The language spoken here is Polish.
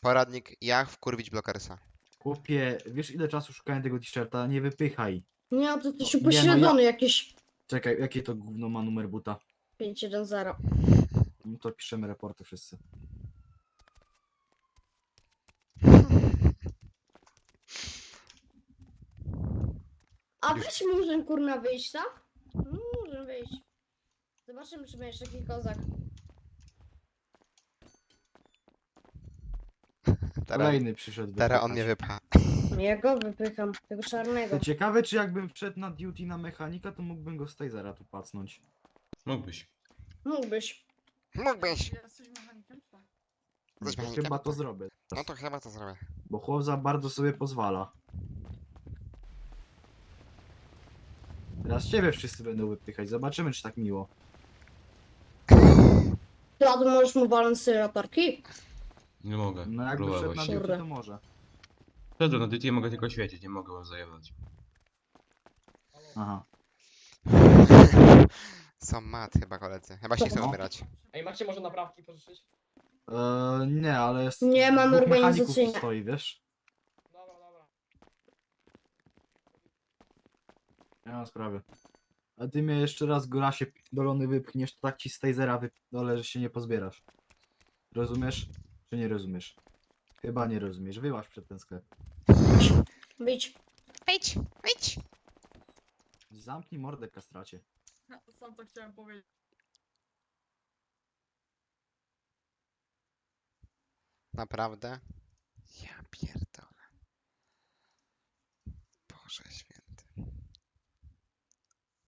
Poradnik, jak wkurwić blokersa. Chłopie, wiesz ile czasu szukałem tego t-shirta? Nie wypychaj. Nie, to ty się Nie, no upośledzony jakieś Czekaj, jakie to gówno ma numer buta? 510. No to piszemy raporty wszyscy. A weź murzyn kurna wyjść, tak? Murzyn wyjść. Zobaczymy, czy będziesz taki kozak. Teraz, Kolejny przyszedł teraz on mnie wypychać. wypcha. Ja go wypycham, tego czarnego. To ciekawe, czy jakbym wszedł na duty na mechanika, to mógłbym go z tasera tu pacnąć. Mógłbyś. Mógłbyś. Mógłbyś. Jesteś mechanikiem, czy tak? No Jesteś to mechanikiem? chyba to zrobię. No to chyba to zrobię. Bo chłop za bardzo sobie pozwala. Teraz ciebie wszyscy będą wypychać. Zobaczymy, czy tak miło. Ty, a tu możesz mu walnąć latarki? Nie mogę. No jakby wszedł na Próbować. duty, Kurde. to może. Wszedłem na dyty, mogę tylko świecić, nie mogę was zajebać. Aha. Są mat chyba koledzy. Chyba się nie chcą No. umierać. Ej, macie może naprawki pożyczyć? Nie, ale jest. Nie mamy dwóch mechaników organizacyjne. tu stoi, wiesz? Dobra, dobra. Nie ma sprawy. A ty mnie jeszcze raz Golasie dolony wypchniesz, to tak ci z tasera wypdolę, że się nie pozbierasz. Rozumiesz? Czy nie rozumiesz? Chyba nie rozumiesz. Wyłaź przed ten sklep. Wyjdź. Wyjdź, wyjdź. Zamknij mordę, kastracie. Sam to chciałem powiedzieć. Naprawdę? Ja pierdolę. Boże święty.